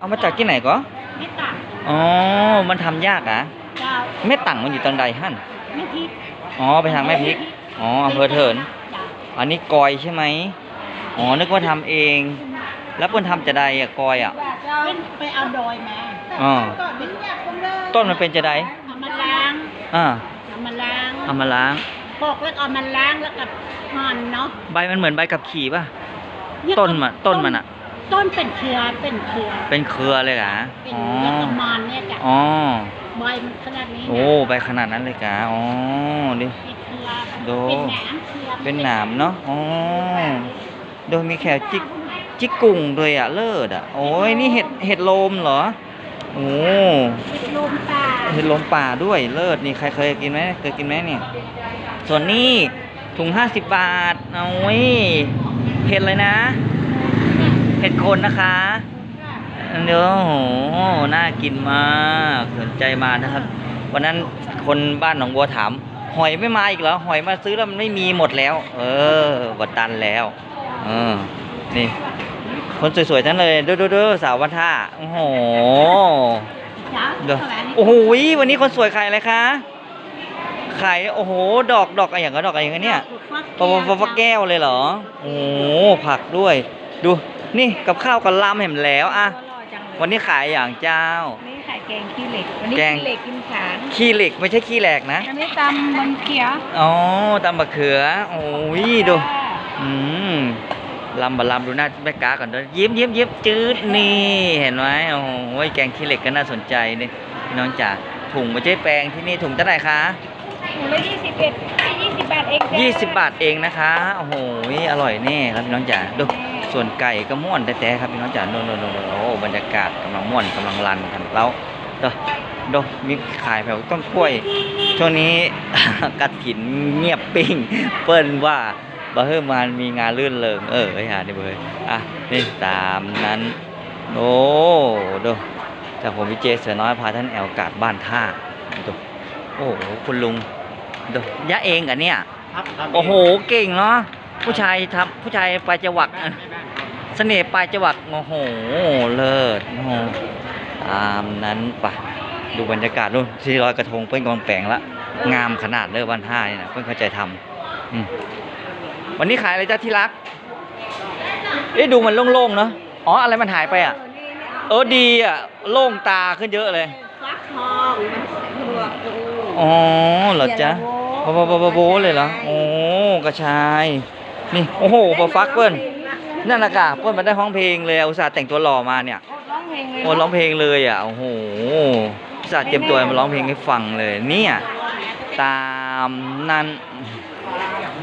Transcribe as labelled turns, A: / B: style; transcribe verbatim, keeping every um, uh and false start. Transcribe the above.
A: เอามาจากที่ไหนก็
B: ไม่ต่าง
A: อ๋อมันทำยากอ่ะ
B: เจ้า
A: แม่ตั่งมันอยู่ตรงใดหั่น
B: ไม่พริก
A: อ๋อไปทางแม่พริกอ๋ออำเภอเถินอันนี้กอยใช่ไหมอ๋อนึกว่าทำเองแล้วเพิ่นทำจะใดอ่ะกอยอ่ะ
B: ไปเอาดอยมา
A: อ๋อต้นมันเป็นจะใด
B: เอามาล้าง
A: อ่า
B: เอามาล้าง
A: เอามาล้าง
B: ปอกแล้วเอามาล้างแล้วกับหั่นเนาะ
A: ใบมันเหมือนใบกับขี่ป่ะต้นมันต้นมันอ่ะ
B: ต้นเป็นเครือเป็นเครือ
A: เป็นเครือเลยเหรอ
B: อ๋อประมาณนี้จ้ะ
A: อ๋อ
B: ใบมันขนาดนี้
A: โอ้ใบขนาดนั้นเลยกะอ๋อดิดูเป็นหนามเนาะอ๋อโดยมีแขวจิกจิกกุ่งด้วยอ่ะเลิศอ่ะโอ้ยนี่เห็ดเห็ดโลมเหรอโอ้
B: เห็ดลมป่า
A: เห็ดลมป่าด้วยเลิศนี่ใครเคยกินไหมเคยกินไหมเนี่ยส่วนนี้ถุงห้าสิบบาทเอาไว้เห็ดเลยนะเห็ดโคนนะคะเนื้อโหน่ากินมากสนใจมานะครับวันนั้นคนบ้านหนองบัวถามหอยไม่มาอีกเหรอหอยมาซื้อแล้วมันไม่มีหมดแล้วเออวัดตันแล้วเออนี่คนสวยๆทั้งเลยดูดูดูสาววันท่าโอ้โหเดี๋ยวโอ้โหวันนี้คนสวยใครอะไรคะไข่โอ้โหดอกดอกอะไรอย่างเงี้ยดอกอะไรอย่างเงี้ยเนี่ยปะปะปะแก้วเลยเหรอโอ้โหผักด้วยดูนี่กับข้าวกับลำเห็นแล้วอะวันนี้ขายอย่างเจ้า
B: นี่ขายแกงขี้เหล็กวันนี้ขี้เหล็กกินขาน
A: ขี้เหล็กไม่ใช่ขี้แหลกนะ
B: อันนี้ตำบังเขีย
A: อ๋อตำบะเขือโอ้ยดูอืมลำบะลำดูหน้าแม่กาก่อนด้วยยิ้มยิ้มยิ้มจืดนี่เห็นไหมโอ้โหแกงขี้เหล็กก็น่าสนใจนี่พี่น้องจ๋าถุงไม่ใช่แปลงที่นี่ถุงเท่าไหร่คะ
B: ถุงละยี่สิบเอ็ดยี่สิบบาทเอง
A: ยี่สิบบาทเองนะคะโอ้โหอร่อยแน่ครับพี่น้องจ๋าดูส่วนไก่ก็ม่วนแต่แต่ครับพี่น้องจ๋าโนโนโนโอ้บรรยากาศกำลังม่วนกำลังรันกันแล้วดูดูมีขายแถวต้นกล้วยช่วงนี้กระถินเงียบปิ้งเปิ้นว่าบ่เฮ้ยมันมีงานลื่นเริงเออไอ้ห่านี่เบ้ยอ่ะนี่ตามนั้นโอ้ดูจากผมวิเจเสือน้อยพาท่านแอลกาดบ้านท่าดูโอ้โหคุณลุงดูยะเองกันเนี่ยโอ้โหเก่งเนาะผู้ชายทำผู้ชายปลายจวักเสน่ห์ปลายจวักโอ้โหเลิศโอ้โหตามนั้นปะดูบรรยากาศดูที่ลอยกระทงเพิ่นกองแปลงละงามขนาดเลยบ้านท่านี่นะเพิ่นเข้าใจทำวันนี้ขายอะไรจ้าที่รักเอ๊ะดูมันโล่งๆเนาะอ๋ออะไรมันหายไปอ่ะเออดีอ่ะโล่งตาขึ้นเยอะเลย
B: ฟักทอง
A: อ๋อเหรอจ๊ะโบโบโบโบเลยเหรอโอ้กระชายนี่โอ้โหพอฟักเปิ้ลนั่นนะกะเปิ้ลมันได้ร้องเพลงเลยอุตส่าห์แต่งตัวหล่อมาเนี่ยโอ้ร้องเพลงเลยอ่ะโอ้โหอุตส่าห์เตรียมตัวมาร้องเพลงให้ฟังเลยเนี่ยตามนั้น